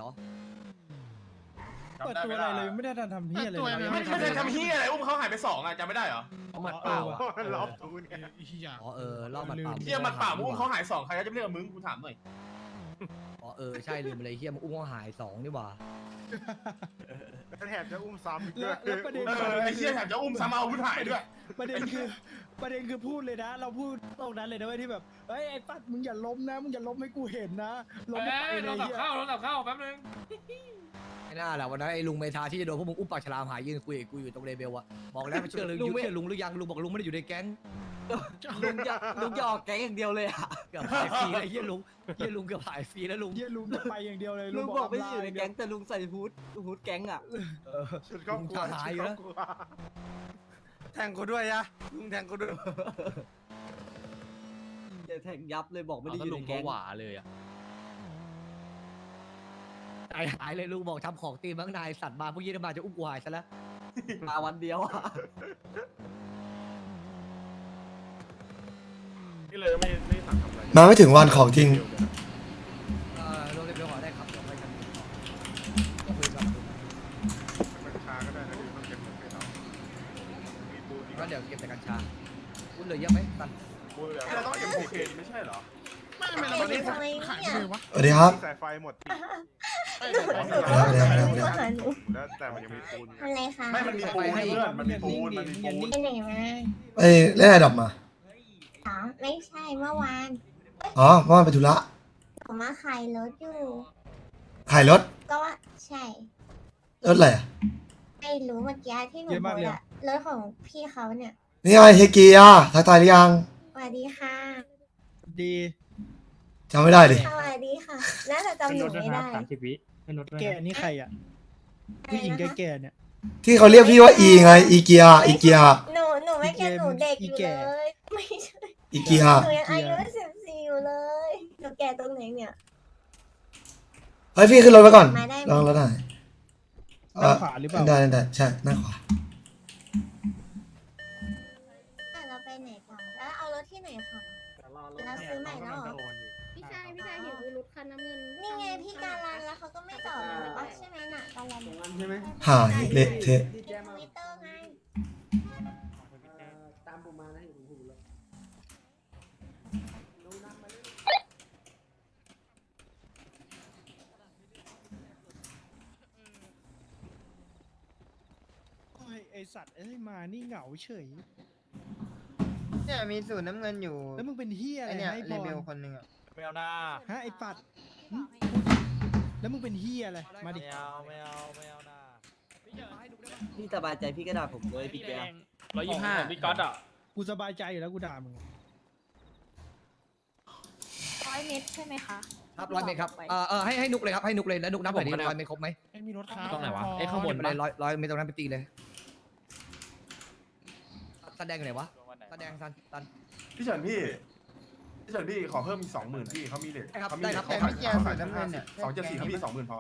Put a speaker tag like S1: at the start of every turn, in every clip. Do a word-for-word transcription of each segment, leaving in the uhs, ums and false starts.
S1: เปิดตัวอะไรเลยไม่ได้ทำเฮียอะไรเลย
S2: ไม่ไม่ได้ทำเฮียอะไรอุ้มเขาหายไปสองอ่ะจำไม่ได้เหรอ
S3: หมัดเปล่าอ่ะ
S4: รอบตูน
S3: อ๋อเออรอบหมัดเปล่า
S2: เฮียมันเปล่ามึงอุ้มเขาหายสองใครก็จะเรียกมึงกูถามหน่อย
S3: อ๋อเออใช่ลืมไปเลยเฮียมึงอุ้มเขาหายสองนี่หว่า
S4: แถบจะอุ้มซ้ำ
S1: แล้วแล้วประเด็น
S2: เออไอ้เฮียแถมจะอุ้มซ้ำเอาอาวุธหายด้วย
S1: ประเด็นคือประเด็นคือพูดเลยนะ เราพูดตรงนั้นเลยนะเว้ยที่แบบเฮ้ยไอ้ปัดมึงอย่าล้มนะมึงอย่าล้มให้กูเห็นนะล้มไม่ไปเลย
S5: เราตับ
S1: เฮีย
S5: ข้าวเราตับข้าวแป๊บนึง
S3: ไม่น่าแหละวันนั้นไอ้ลุงเมธาที่จะโดนพวกมึงอุ้มปากฉลามหายยืนคุยกับกูอยู่ตรงเลเบลอะบอกแล้วไม่เชื่อเลยยุ่งเชื่อลุงหรือยังลุงบอกลุงไม่ได้อยู่ในแก๊ง
S6: ลุงจะลุงจะออกแก๊งอย่างเดียวเลยอ่ะ
S3: เกือบหายฟรีเลยเฮียลุงเฮียลุงเกือบหายฟรีแล้วลุง
S1: เฮียลุงจะไปอย่างเดียวเลย
S6: ลุงบอกไม่ได้อยู่ใน
S1: ำลา
S6: แก๊งแต่ลุงใส่ฮูดฮูดแก๊งอ่ะ
S3: เออ
S4: ชุดก็กลัว
S3: หายอยู่แล้ว
S7: แทงกูด้วยนะลุงแทงกูด้วย
S6: จะแทงยับเลยบอกไม่ได้อยู่ในแก๊ง
S5: หวาเลยอ่ะ
S3: ใจหายเลยลุงบอกทำของตีมั้งนายสัตว์มาพวกยี่มาจะอุ้มกูหายซะแล้ว
S6: มาวันเดียวอ่ะ
S4: นี่เลยไม่ไม่สั่งทำอะไร
S8: มาไม่ถึงวันของจริง
S3: เออลงเลเบลหอได้ครับเดี๋ยวไปกันก็คุยกับลุง
S4: มันช้าก็ได้นะเดี๋ยวต้องเก็บเงินไปเรามีปูนอีก
S3: ก็เดี๋ยวเก็บแต่กัญชาคุณเหลือเยอะไหมตัน
S4: ปูนเหลือ
S2: เราต้องเอ็มโอเคไม่ใช่เหรอ
S1: ไม่ไม่เราไม่ได้ขายเลยวะ
S8: สวัสดีครับ
S4: สายไฟหมดที
S8: แล้ว
S4: แล้วแต่มันยังมีปูน
S9: อะไรคะ
S2: ไม่มันมีปูนเพื่อนมันมีปูนมันมีปูน
S9: ไปไหนมา
S8: เอ้ยเล่นอะไรดับมา
S9: อ๋อไม่ใช่เมื่อวาน
S8: อ๋อเมื่อวานไปธุระ
S9: ผมมาขายรถอยู่
S8: ขายรถ
S9: ก็ว่าใช่
S8: รถอะไรอ่ะ
S9: ไม่รู้เมื่อกี้ที่หนูบอกอะรถของพี่เขาเนี่ย
S8: นี่ไงเฮกีอ่ะทักทายหรือยัง
S9: สวัสดีค่ะ
S1: ดี
S8: จำไม่ได้ดิ
S9: สวัสดีค่ะน่าจะจำหนูไม่ได้
S1: แก่นี่ใครอ่ะผู้หญิงแก่ๆเนี่ย
S8: ที่เขาเรียกพี่ว่าอีไงอีเกียอีเกีย
S9: หนูหนูไม่แก่หนูเด็กอยู่เลยไม่ใช่
S8: อีเกีย
S9: หนูยังอายุสิบสี่อยู่เลยหนูแก่ตรงไหนเนี่ย
S8: เฮ้ยพี่ขึ้นรถไปก่อน
S9: มาได้ไหม
S8: ลองรถหน่อย
S1: ด้านขวาหรือเปล่า
S8: ได้ได้ได้ใช่หน้าขวา
S9: เราไปไหนต่อแล้วเอารถที่ไหนคะแล้วซื้อใหม่แล้วเหรอ
S10: พี่ชายพี่ชายเห็นรถคันน้ำเงิน
S9: นี่ไงพี่การันแล้วเขาก็ไม่จอดเลยปะใช่ไหมน่ะการัน
S6: ใช่ไหม
S8: หายเละเทะ
S9: ในทวิตเตอร์ไง
S6: ตามผมมานะอยู่ผมเลย
S1: โอ้ยไอสัตว์เอ้ยมานี่เหงาเฉย
S7: เนี่ยมีสูตรน้ำเงินอยู่
S1: แล้วมึงเป็นเฮียอะไร
S7: ไอเนี่ย
S1: ให้
S7: เล
S1: บ
S7: เบล
S1: อล
S7: คนหนึ่งอ่ะ
S5: ไม่เอาหน้า
S1: ฮะไอปัดหึแล้วมึงเป็นเฮียอะไรมาดิ
S5: ไม่เอาไม่เอาไม่เอาหน้า
S6: พี่สบายใจพี่ก็ด่าผมเลยพี่แก
S5: ร้อยยี่สิบห้าพี่ก๊อตอ่ะ
S1: กูสบายใจอยู่แล้วกูด่ามึง
S10: ร้อยเมตรใช่ไหมคะ
S3: ครับร้อยเมตรครับเออเออให้ให้นุกเลยครับให้นุกเลยแล้วนุกนับหน่อยดิร้อยเมตรครบไหม
S5: มีรถค้าตรงไหนวะไอ้ข้างบน
S3: ไปเลยร้อยร้อยเมตรตรงนั้นไปตีเลยแสดงอยู่ไหนวะแสดงซันซัน
S2: พี่เฉินพี่พี่เฉินพี่ขอเพิ่มอีกสองหมื่นพี่เขามีเลท
S3: ได้ครับ
S2: เขามี
S3: ได้
S2: เล
S3: ครั
S2: ท
S3: บ
S7: แต่ไม่เกี่ยวสูตรน้ำเงินเนี่ย
S2: สองเจ็ดสี่เขามีสองหมื่นพอ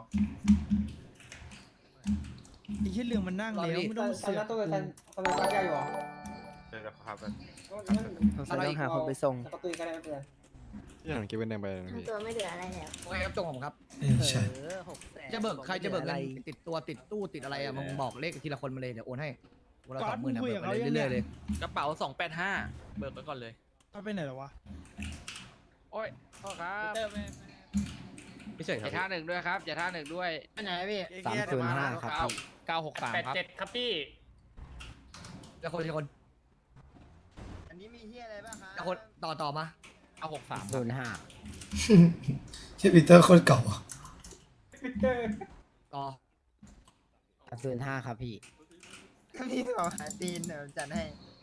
S1: ไอ้เฮียเรื่องมันนั่งแล้วไม่ต้องเสือกกู
S4: เดี๋ยวครับ
S3: อะไรอีก
S7: หาคนไปส่ง
S4: อย่างกินเป็นแดงไปนะ
S9: ทั้ง
S4: พี่
S9: ตัวไม่เหลืออะไรแล้ว
S3: โอเคครับจงของผมครับ
S8: เออใช่
S3: จะเบิกใครจะเบิกเงินติดตัวติดตู้ติดอะไรอะมึงบอกเลขทีละคนมาเลยเดี๋ยวโอนให้วันละสองหมื่นอะเบิกไปเรื่อยๆเลย
S5: กระเป๋าสองแปดห้าเบิกไปก่อนเลย
S1: เอาไปไหนแล้ววะ
S5: โอ้ยพ่อครับ
S3: ไม่ใช่ค
S5: อย่า
S3: รับ
S5: ท่าหนึ่งด้วยครับอย่าท่าหนึ่งด้วย
S7: อันไหนพี่
S4: สามศูนย์ห้าครับ
S5: เก้าเก้าหกสามครับ
S2: ครับพี่
S3: แล้วคนทีละคน
S7: อันนี้มีเฮียอะไรบ้างครั
S3: แล้วคนต่อต่อมา
S5: เก้าหกสาม
S7: ศูนย์ห้า
S8: ชื่อปีเตอร์โคตรเก่าอ่ะ
S3: ต่อ
S7: ศูนย์ห้าครับพี่พี่บอกหาตีนเดี๋ยวจัดให้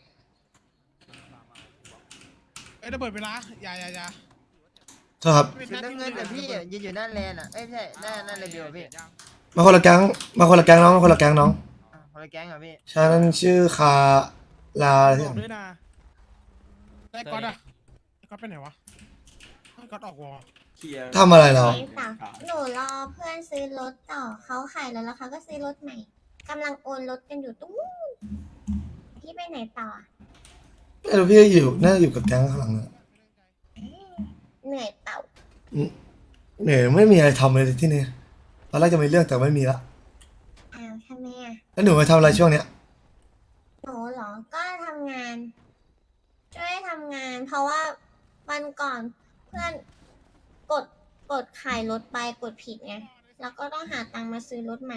S1: เอ้ยระเบิดเวลาอย่าอย่าอย่า
S8: โทษครับ
S7: สูตรน้ำเงินแต่พี่ยืนอยู่หน้าแลนอ่ะเอ้ยไม่ใช่หน้าหน้าเลเบลพี่
S8: มาคนละแก๊งมาคนละแก๊งน้องมาคนละแก๊งน้อง
S7: อ่ะคนละแก๊งเหรอพี่
S8: ใช่นั่นชื่อคาลาอะไร
S1: บ
S8: ที่
S1: อกด้วยนะไอ้ก๊อตอะไอ้ก๊อตไปไหนวะไอ้ก๊อตออกวอ
S8: ทำอะไรเรา
S9: ไม่ต่อหนูรอเพื่อนซื้อรถต่อเขาขายรถแล้วเขาก็ซื้อรถใหม่กำลังโอนรถกันอยู่ตู้พี่ไปไหนต่อ
S8: ไม่รู้พี่อยู่น่าจะอยู่กับแก๊งข้างหลังนะ
S9: เหนื่อยเปล่า
S8: เหนื่อยไม่มีอะไรทำเลยที่นี่ตอนแรกจะมีเรื่องแต่ไม่มีละ
S9: อ้าวทำไมอ่ะ
S8: แล้วหนูมาทำอะไรช่วงเนี้ย
S9: หนูเหรอ ก็ทำงาน ช่วยทำงาน เพราะว่าวันก่อนเพื่อนกดกดขายรถไปกดผิดไง แล้วก็ต้องหาตังค์มาซื้อรถใหม่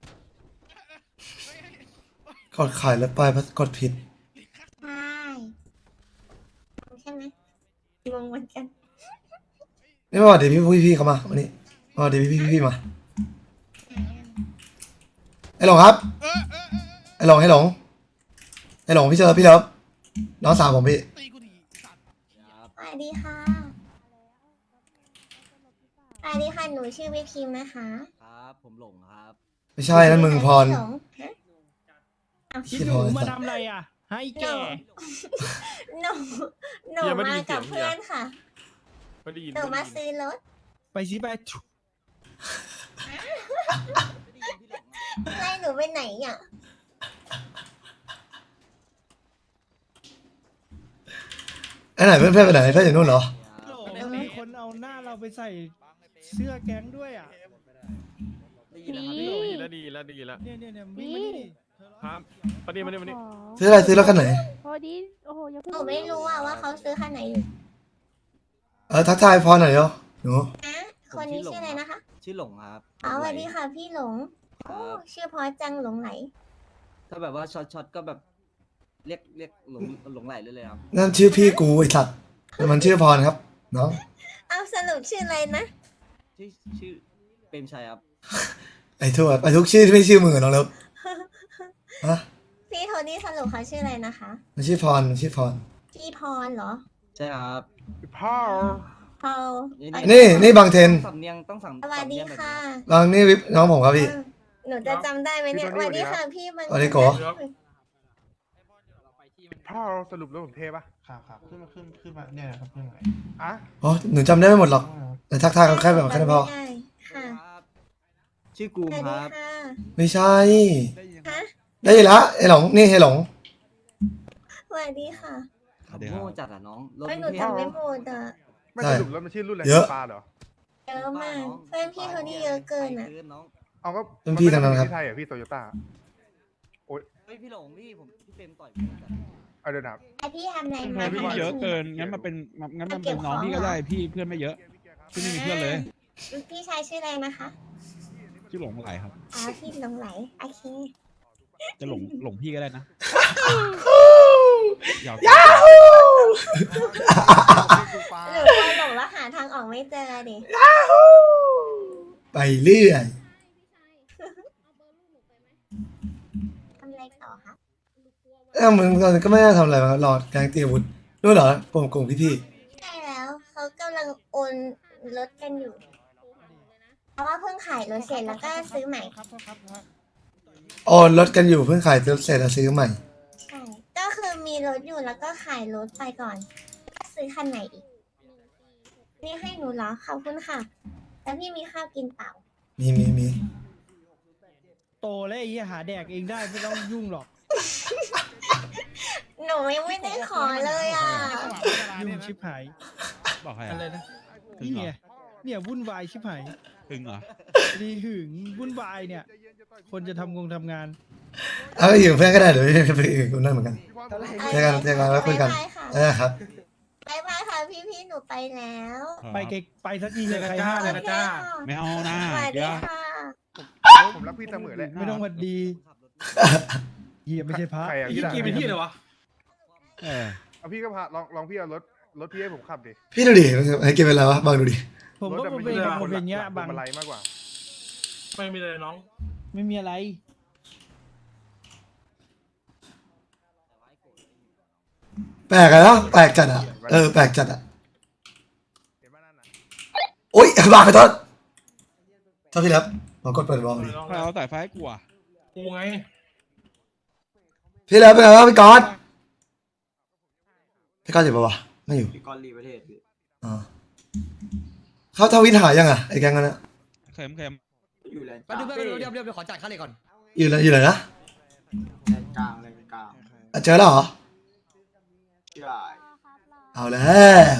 S8: กดขายแล้วไปกดผิด
S9: ใช่ใช่ไหมงงเหมือนกัน
S8: นี่มาสวัสดีพี่พี่พี่เขามาวันนี้มาสวัสดีพี่พี่พี่มาไอ้หลงครับไอ้หลงไอ้หลงไอ้หลงพี่เจอพี่เลิฟน้องสาวผมพี่
S9: สวัสดีค่ะ สวัสดีค่ะ หนูชื่อวิพิมพ์นะคะ
S6: ครับ ผมหลงครับ
S8: ไม่ใช่นั่นมึงพร
S9: หลงฮะ
S1: คิดหนูมาทำอะไรอ่ะ ให้แก
S9: หนู หนู มากับเพื่อนค่ะ
S4: ไม่ได้ยิน
S9: หนูมาซื้อรถ
S1: ไปสิไป
S9: ไล่หนูไปไหนอ่ะ
S8: ไอ้ไหนเพื่อนเพื่อนไปไหนเพื่อนอยู่นู่นเหรอ
S1: โหลมีคนเอาหน้าเราไปใส่เสื้อแก๊งด้วยอ่ะ
S6: ได้ยินแล้วครับ
S10: นี่
S4: ดีแล้วดีแล้วดีแล้ว
S1: เนี่ยเนี่ยเนี่ยวิ่งมานี่ดิเธอ
S4: ครับมาดิมาดิมาดิ
S8: ซื้ออะไรซื้อรถคันไหน
S10: พอดีโอ้โหอย่าเพิ่ง
S9: หนูไม่รู้อ่ะว่าเขาซื้อคันไหนอยู่
S8: เออทักทายพรหน่อยเดี๋ยวหนู
S9: นะคนนี้ชื่ออะไรนะคะ
S6: ชื่อหลงครับ
S9: อ๋อสวัสดีค่ะพี่หลง
S6: ค
S9: โอ้
S6: รับ
S9: ชื่อเพอจังหลงไหล
S6: ถ้าแบบว่าช็อตช็อตก็แบบ เรียกเรียกหลงหลงไหลเลยเลยครับ
S8: นั่นชื่อพี่กูไอ้สัตว์แต่มันชื่อพรครับน้อง
S9: เอาสรุปชื่ออะไรนะ
S6: ชื่อชื่อเปรมชัยครับ
S8: ไอ้ทั่วไอ้ทุกชื่อที่ไม่ชื่อมึงอะน้องเลิฟฮะ
S9: พี่โทนี่สรุปเขาชื่ออะไรนะคะ
S8: มันชื่อพรมันชื่อพร
S9: พี่พรเหรอ
S6: ใช่ครับ
S4: พ่อ
S9: พอ
S8: นี่นี่บางเทน
S6: สำเนียงต้องสั่ง
S9: สวัสดี
S6: สำเนียงแบบ
S9: ค่ะ
S6: นี้
S8: บางนี่วิปน้องผมครับพี่
S9: เออหนูจะจำได้ไหมเนี่ยสวัสดีค่ะพี่มัน
S8: สวัสดีโก
S4: พ่อสรุปแล้วผมเทปะ
S2: ครับครับขึ้นมาขึ้นขึ้นมาเนี่ยนะครับขึ้นมา
S4: อ่ะ
S8: อ๋อหนูจำได้ไม่หมดหรอกแต่ทักทายกันแค่แบบแค่นั้นพอ
S9: จำไม่ได้ค่ะ
S6: ครับ ชื่อกู
S9: ส
S6: ม
S9: วัส
S6: ค
S9: ดี
S6: รับ
S9: ค่ะ
S8: ไม่ใช่
S9: ฮะ
S8: ได้ยินละไอ้หลงนี่ไอ้หลง
S9: สวัสดีค่ะ
S6: ขับโง่จัดอ่ะน้องรถ
S9: ไม่หนู
S6: กรุงเทพ
S9: จำไม่หมดอ่ะ
S4: ไม่
S8: ใช่
S4: สรุปแล้วมันชื่อรุ่นอะไร
S8: เยอะ
S4: ปลาเหรอ
S9: เยอะมากเพื่อนพี่โทนี่เยอะเกินอ่ะ
S6: ไปน้อง
S4: เอาก็
S8: เป็นพี่ทั้งนั้นครับ
S4: ที่ไทยเหรอพี่โตโยต้า
S6: เฮ้ยพี่หลงพี่ผมพี่เปรมต่อยผมจัด
S4: เอาเดี๋ยวนะ
S9: ไอพี่ทำอะไร
S11: ทำไม
S9: มา
S11: พี่
S9: ทำไม
S11: เยอะ
S9: ถึง
S11: เกิน งั้นมาเป็นงั้นมาเป็นน้องพี่ก็ได้พี่เพื่อนไม่เยอะพี่ไม่มีเพื่อนเลย
S9: พี่ชายชื่ออะไรนะคะ
S11: ชื่อหลงไหลครับ
S9: อ๋อพี่หลงไหลโอเค
S11: จะหลงหลงพี่ก็ได้นะอยาก
S9: หนูกลัวหลงแล้วหาทางออกไม่เจอดิ
S8: ไปเรื่อย
S9: ทำอะไรต่อคะ
S8: เอ้ามึงตอนนี้ก็ไม่ได้ทำอะไรมารอแกงตีอาวุธนู่นเหรอกลุ่มกลุ่มพี่พี่
S9: ใช่แล้วเขากำลังโอนรถกันอยู่ เพราะว่าเพิ่งขายรถเสร็จแล้วก็ซื้อใหม่
S1: ครับครับครับ
S8: ๆโอนรถกันอยู่เพิ่งขายรถเสร็จแล้วซื้อใหม่
S9: ใช่ ก็คือมีรถอยู่แล้วก็ขายรถไปก่อนก็ซื้อคันไหนอีก นี่ให้หนูเหรอ ขอบคุณค่ะ แล้วพี่มีข้าวกินเปล่า
S8: มีมีมี
S1: โตแล้วไอ้เหี้ยหาแดกเองได้ไม่ต้องยุ่งหรอก
S9: หนูยังไม่ได้ขอเลยอ่ะ
S1: ยุ่งชิบหาย
S11: บอกใคร
S1: อะไร
S11: อ่ะ
S1: นะ
S11: ถึง
S1: นี่
S11: เหร
S1: ไง
S11: อ
S1: เนี่ยวุ่นวายชิบหาย
S11: ถึงเหรอ
S1: ดีหึงวุ่นวายเนี่ย คนจะทำงงทำงาน
S8: เอาไปอยู่เพื่อนก็ได้เดี๋ยวไปอื่นกูนั่นเหมือนกัน เจอกันเจอกันแล้วคุยกัน
S9: บ๊ายบายค่ะ
S8: เออครับ
S9: บายบายค่ะพี่พี่ๆหนูไปแล้ว
S1: ไปไกลไปสักทีเลยใครห้าม
S9: โอ
S1: เลย
S9: เคค่ะ
S11: ไม่เอานะ
S9: สวัส
S11: เดี๋
S9: ดี
S11: ยว
S9: ค่ะ
S4: ผมรักพี่เสมอเลย
S1: ไม่ต้องหวัดดีเฮียไม่ใช่พระ
S4: ใครอ่ะ
S1: ไอ้
S4: พี่
S1: เหี้ย
S4: ด่า
S1: เป็นที่เลยวะ
S11: เออ
S4: เอาพี่ก็พาลองลองพี่เอารถรถพี่ให้ผมขับดิ
S8: พี่ดูดิไอ้เกมเป็นอะไรวะบางดูดิ
S1: ผม
S4: รถ
S1: ก็
S4: อะ
S1: ผม
S4: น
S1: เป็น
S4: อยู่
S1: ผมเป็นอย่างเงี้ย
S4: หลั
S1: บาง
S4: พวงมาลัยมากกว่า
S1: ไม่มีอะไร
S8: แปลกอะเนาะแปลกจัดอะเออแปลกจัดอะ
S4: เห็นไหมนั่นน่ะ
S8: โอ๊ยบางขอโทษถ้าพี่รับมากดเปิดบอลดิ
S11: ใครเอาสายไฟให้กูอ่ะ
S8: พี่รับเป็นไงวะพี่ก๊อตพี่ก๊อตอยู่ปะวะไม่อยู่
S6: พี่กอลลีประเทศพี่
S8: อ๋อเขาทวิตหายังอะไอ้แก๊งนั้นอะ
S11: เค็มเค็ม
S6: อยู่แลนด์ก
S3: แป๊บ
S6: ลาง
S3: นึงแป๊บนึงเดี๋ยวเดี๋ยวเดี๋ยวขอจ่ายค่าเหล็กก่อน
S8: อยู่ไหนอยู่ไหนนะ
S6: แลนด์กลางแลนด์กลาง
S8: อ่ะเจอแล้วเหรอ
S6: ใช่
S8: เอาแล้ว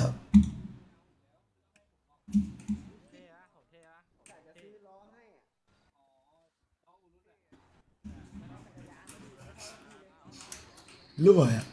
S8: รั่วอ่ะ